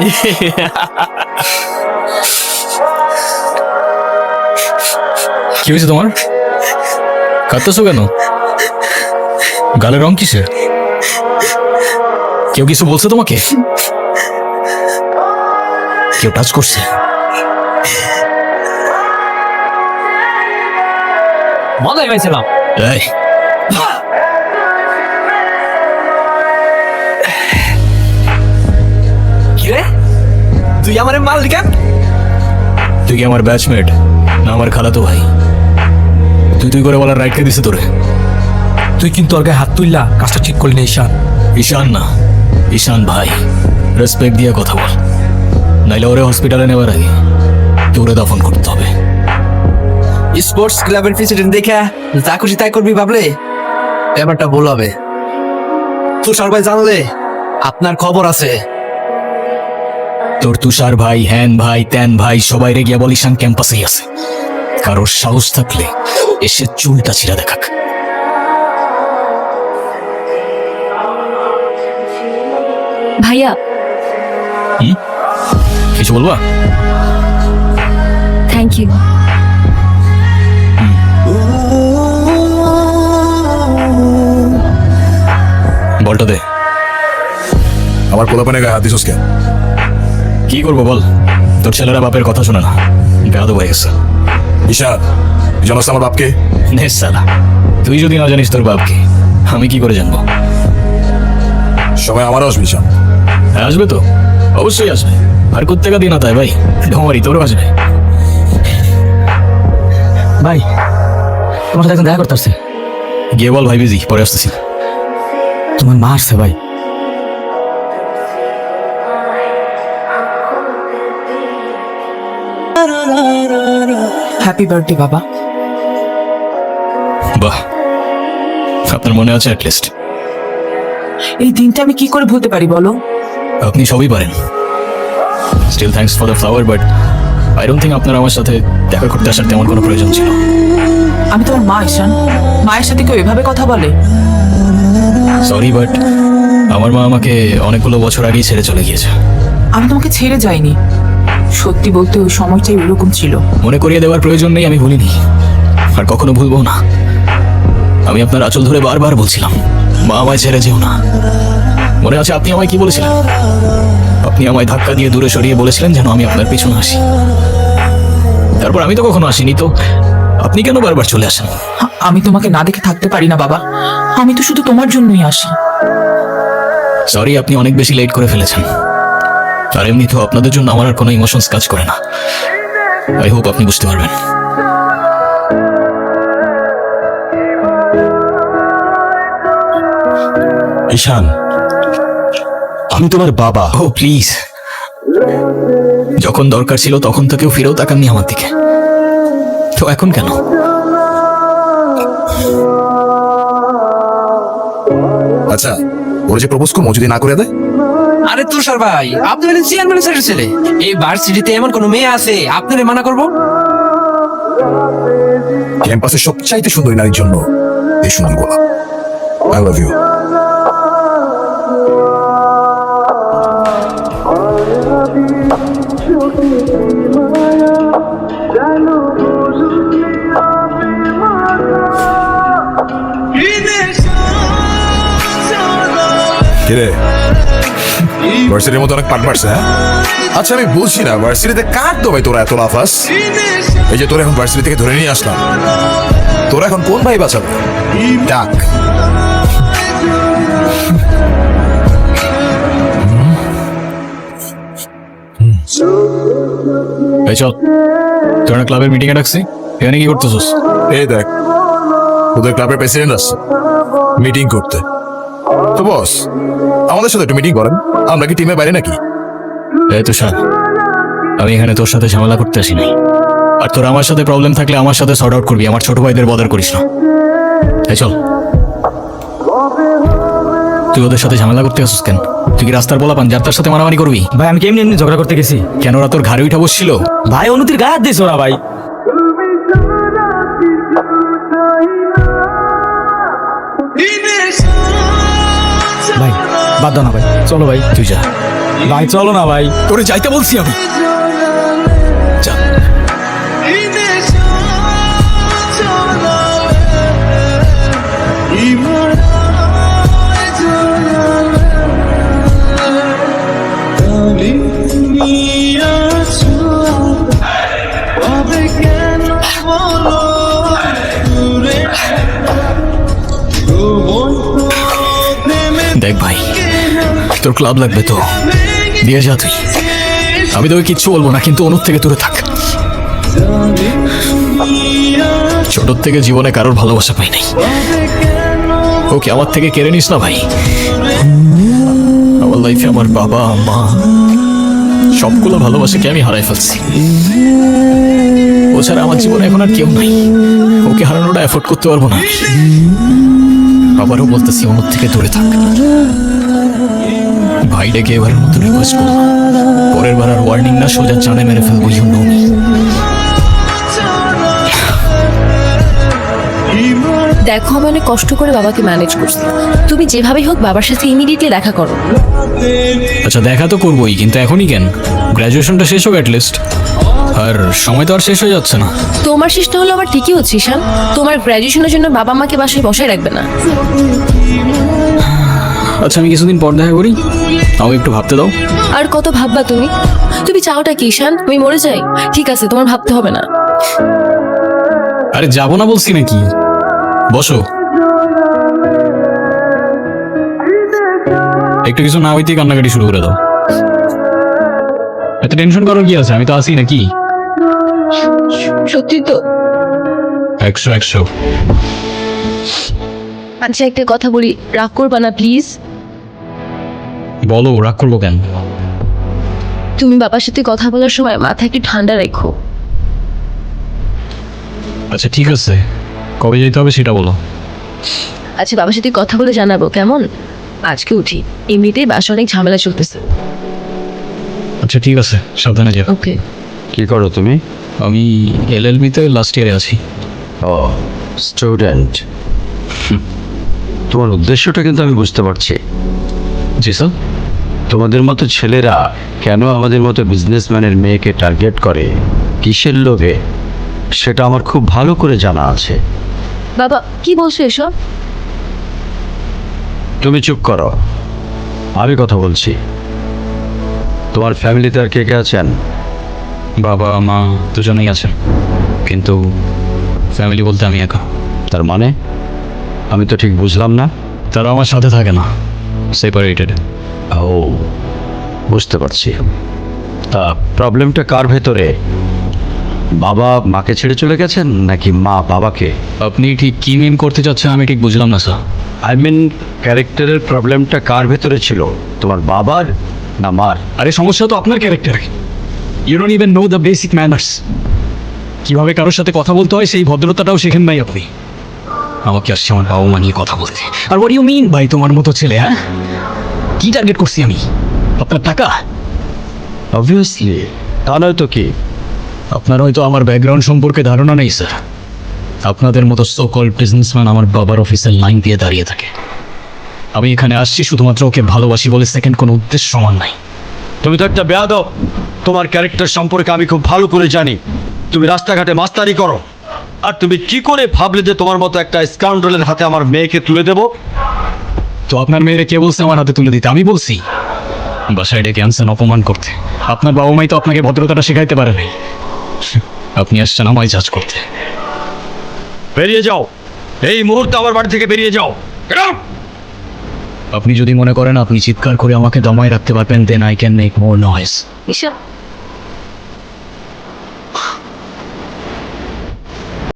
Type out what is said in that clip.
কি হয়েছে তোমার? কাঁদতেছো কেন? গালের রং কিসের? কেউ কিছু বলছে তোমাকে? কেউ টাচ করছে? মজাই পাইছিলাম। এই কিরে তুই আমার মাল কেন? তুই কি আমার ব্যাচমেট না আমার খালাতো ভাই? তুই তুই করে বলার রাইট কে দিছে তোরে? তুই কিন্তু ওর গায়ে হাত তুললা, কাজটা ঠিক করলি না ঈশান। ঈশান না, ঈশান ভাই। রেসপেক্ট দিয়ে কথা বল, নাইলে ওরে হসপিটালে নেওয়ার আগে তোরে দাফন করতে হবে। স্পোর্টস ক্লাবের প্রেসিডেন্ট দেখা যা খুশি তাই করবি ভাবলে ব্যাপারটা ভুল হবে। তুষার ভাই জানলে আপনার খবর আছে। তোর তুষার ভাই, হ্যান ভাই, ত্যান ভাই সবাই রে গিয়া বল ঈশান ক্যাম্পাসেই আছে। কারোর সাহস থাকলে এসে চুলটা ছিঁড়া দেখাক। ভাইয়া, কিছু বলবা? Thank you. বলটা দে। আমার পোলাপানে গায়ে হাত দিছস কেন? কি করবো বল, তোর ছেলেরা বাপের কথা শোনে না, বেয়াদব হয়ে গেছে। ঈশান, জানোস আমার বাপকে? নে সালা, তুই যদি না জানিস তোর বাপকে আমি কি করে জানবো? সময় আমারও আসবে ঈশান। হ্যাঁ আসবে তো, অবশ্যই আসবে। আর কোথেকে দিন আতায় ভাই, ঢোমারি তোরও আসবে। ভাই তোমার সাথে এখন দেখা করতে আসছে। গিয়ে বল ভাই বিজি, পরে আসতেছি। তোমার মা আসছে ভাই। হ্যাপি বার্থডে বাবা। বাহ, আপনার মনে আছে অ্যাটলিস্ট। এই দিনটা আমি কি করে ভুলতে পারি বলো? আপনি সবই পারেন। Still thanks for the flower, but I don't think আপনার আমার সাথে দেখা করতে আসার তেমন কোনো প্রয়োজন ছিল। আমি তোমার মা ঈশান, মায়ের সাথে কেউ এভাবে কথা বলে? সরি, বাট আমার মা আমাকে অনেকগুলো বছর আগেই ছেড়ে চলে গিয়েছে। আমি তোমাকে ছেড়ে যাইনি, সত্যি বলতে ওই সময়টাই ওরকম ছিল। মনে করিয়ে দেওয়ার প্রয়োজন নেই, আমি ভুলিনি আর কখনো ভুলবো না। আমি আপনার আঁচল ধরে বারবার বলছিলাম, মা আমায় ছেড়ে যেও না। মনে আছে আপনি আমায় কি বলেছিলেন? আপনি আমায় ধাক্কা দিয়ে দূরে সরিয়ে বলেছিলেন যেন আমি আপনার পিছনে আসি। তারপর আমি তো কখনো আসিনি, তো আপনি কেন বারবার চলে আসেন? আমি তোমাকে না দেখে থাকতে পারি না বাবা, আমি তো শুধু তোমার জন্যই আসি। সরি, আপনি অনেক বেশি লেট করে ফেলেছেন। আর এমনি তো আপনাদের জন্য আমার আর কোনো ইমোশনস কাজ করে না। আই হোপ আপনি বুঝতে পারবেন। ঈশান, আমি তোমার বাবা। ও প্লিজ, যখন দরকার ছিল তখন তো কেউ ফিরেও তাকাননি আমার দিকে, তো এখন কেন? আচ্ছা, ওরা যে প্রপোজ করবো যদি না করে দেয়? আরে তুষার ভাই, আপনি হলেন চেয়ারম্যান স্যারের ছেলে। এই ভার্সিটিতে এমন কোনো মেয়ে আছে আপনারে মানা করবো? ক্যাম্পাসের সবচাইতে সুন্দরী নারীর জন্য এই সুনাম গোলা। I love you. কিরে, ভার্সিটির মতো অনেক পাট মারছে, হ্যাঁ? আচ্ছা আমি বুঝছি না, ভার্সিটিতে কার তো ভাই তোরা এত লাফাস? এই যে তোরা এখন ভার্সিটি থেকে ধরে নিয়ে আসলাম, তোরা এখন কোন ভাই বাঁচাবে? ডাক। এই চল, তোর না ক্লাবের মিটিং এ ডাকছি, এখানে কি করতেছিস? এই দেখ, তোদের ক্লাবের প্রেসিডেন্ট আসছে মিটিং করতে। তো বস, আমাদের সাথে একটু মিটিং করেন, আমরা কি টিমের বাইরে নাকি? এই তুষার, আমি এখানে তোর সাথে ঝামেলা করতে আসি নাই। আর তোর আমার সাথে প্রবলেম থাকলে আমার সাথে সর্ট আউট করবি, আমার ছোট ভাইদের বদার করিস না। এই চল। তুই ওদের সাথে ঝামেলা করতে আসিস কেন? তুই কি রাস্তার বলা পান যার তার সাথে মারামারি করবি? ভাই আমি কেমনি এমনি ঝগড়া করতে গেছি? কেন, ওরা তোর ঘাড়ে উঠা বসছিল? ভাই অনুতির গায়ে হাত দিয়েছে ওরা ভাই। ভাই বাদ দাও না ভাই, চলো ভাই। তুই যা। ভাই চলো না ভাই, তোরে যাইতে বলছি আমি। যা। দেখ ভাই, তোর ক্লাব লাগবে তো দিয়ে যা তুই, আমি তোকে কিচ্ছু বলবো না, কিন্তু অনুর থেকে দূরে থাক। ছোট থেকে জীবনে কারোর ভালোবাসা পাই নাই, ওকে আমার থেকে কেড়ে নিস না ভাই। আমার লাইফে আমার বাবা মা সবগুলো ভালোবাসাকে আমি হারাই ফেলছি, ও ছাড়া আমার জীবনে এখন আর কেউ নাই, ওকে হারানোটা এফোর্ড করতে পারবো না। আবারও বলতেছি অনুর থেকে দূরে থাক ভাই। ডেকে এবারের মতো রিকোয়েস্ট করবো, পরের বার আর ওয়ার্নিং না, সোজা চানে মেরে ফেলবো। You know me. দেখো আমি অনেক কষ্ট করে বাবাকে ম্যানেজ করছি, তুমি যেভাবেই হোক বাবার সাথে ইমিডিয়েটলি দেখা করো। আচ্ছা দেখা তো করবোই, কিন্তু এখনই কেন? গ্র্যাজুয়েশনটা শেষ হোক অ্যাটলিস্ট, আর সময় তো আর শেষ হয়ে যাচ্ছে না। তোমার শেষটা হলো আবার ঠিকই হচ্ছে ঈশান, তোমার গ্র্যাজুয়েশনের জন্য বাবা মাকে বাসায় বসায় রাখবে না। আচ্ছা আমি কিছুদিন পর দেখা করি, আমাকে একটু ভাবতে দাও। আর কত ভাববা তুমি? তুমি চাওটা কি ঈশান? তুমি মরে যাই? ঠিক আছে, তোমার ভাবতে হবে না। আরে যাবো না বলছি নাকি, বসো। একটু কিছু না হইতেই কান্নাকাটি শুরু করে দাও। এত টেনশন করার কি আছে, আমি তো আসি নাকি। সত্যি তো? 100 আচ্ছা একটা কথা বলি, রাগ করবা না প্লিজ। বলো, রাগ করবো কেন? তুমি বাবার সাথে কথা বলার সময় মাথা একটু ঠান্ডা রেখো। আচ্ছা ঠিক আছে, কবে যেতে হবে সেটা বলো। আচ্ছা বাবার সাথে কথা বলে জানাবো কেমন? আজকে উঠি, এমনিতেই বাসা অনেক ঝামেলা চলতেছে। আচ্ছা ঠিক আছে, সাবধানে যাও। ওকে। কি করো তুমি? আমি এলএলবি-তে লাস্ট ইয়ারে আছি। ও স্টুডেন্ট। তোমার উদ্দেশ্যটা কিন্তু আমি বুঝতে পারছি। জি স্যার। তোমাদের মতো ছেলেরা কেন আমাদের মতো বিজনেসম্যানের মেয়েকে টার্গেট করে, কিসের লোভে, সেটা আমার খুব ভালো করে জানা আছে। বাবা কি বলছো এসব? তুমি চুপ করো, আমি কথা বলছি। তোমার ফ্যামিলিতে আর কে কে আছেন? বাবা মা দুজনেই আছেন, কিন্তু ফ্যামিলি বলতে আমি একা। তার মানে আমি তো ঠিক বুঝলাম না। তারা আমার সাথে থাকে না, সেপারেটেড। ও বুঝতে পারছি। তা প্রবলেমটা কার ভেতরে? বাবা মাকে ছেড়ে চলে গেছেন নাকি মা বাবাকে? আপনি ঠিক কি মিন করতে চাচ্ছেন আমি ঠিক বুঝলাম না স্যার। আই মিন ক্যারেক্টারের প্রবলেমটা কার ভেতরে ছিল, তোমার বাবার না মার? আরে সমস্যা তো আপনার ক্যারেক্টারে। You don't even know the basic manners. কিভাবে কারোর সাথে কথা বলতে হয় সেই ভদ্রতাটাও শেখেন নাই আপনি। আমাকে আসছে আমার বাবা মা নিয়ে কথা বলতে। আর হোয়াট ইউ মিন ভাই তোমার মতো ছেলে? হ্যাঁ, কি টার্গেট করছি আমি? আপনার টাকা? অবভিয়াসলি, তা নয় তো কি। আপনার হয়তো আমার ব্যাকগ্রাউন্ড সম্পর্কে ধারণা নেই স্যার। আপনাদের মতো সো কল্ড বিজনেসম্যান আমার বাবার অফিসের লাইন দিয়ে দাঁড়িয়ে থাকে। আমি এখানে আসছি শুধুমাত্র ওকে ভালোবাসি বলে, সেকেন্ড কোনো উদ্দেশ্য সমান নাই। তুমি তো একটা বেয়াদব। তোমার ক্যারেক্টার সম্পর্কে আমি খুব ভালো করে জানি। তুমি রাস্তাঘাটে মাস্তানি করো, আর তুমি কি করে ভাবলে যে তোমার মতো একটা স্কাউন্ডারের হাতে আমার মেয়েকে তুলে দেবো? তো আপনার মেয়েরে কে বলছে আমার হাতে তুলে দিতে? আমি বলছি? বাসায় ডেকে আনছেন অপমান করতে। আপনার বাবা মাই তো আপনাকে ভদ্রতাটা শেখাইতে পারে নাই। আপনি আসছেন আমায় জাজ করতে। বেরিয়ে যাও, এই মুহূর্তে আমার বাড়ি থেকে বেরিয়ে যাও। Get out! আপনি যদি মনে করেন আপনি চিৎকার করে আমাকে দমায় রাখতে পারবেন, then I can make more noise. Ishan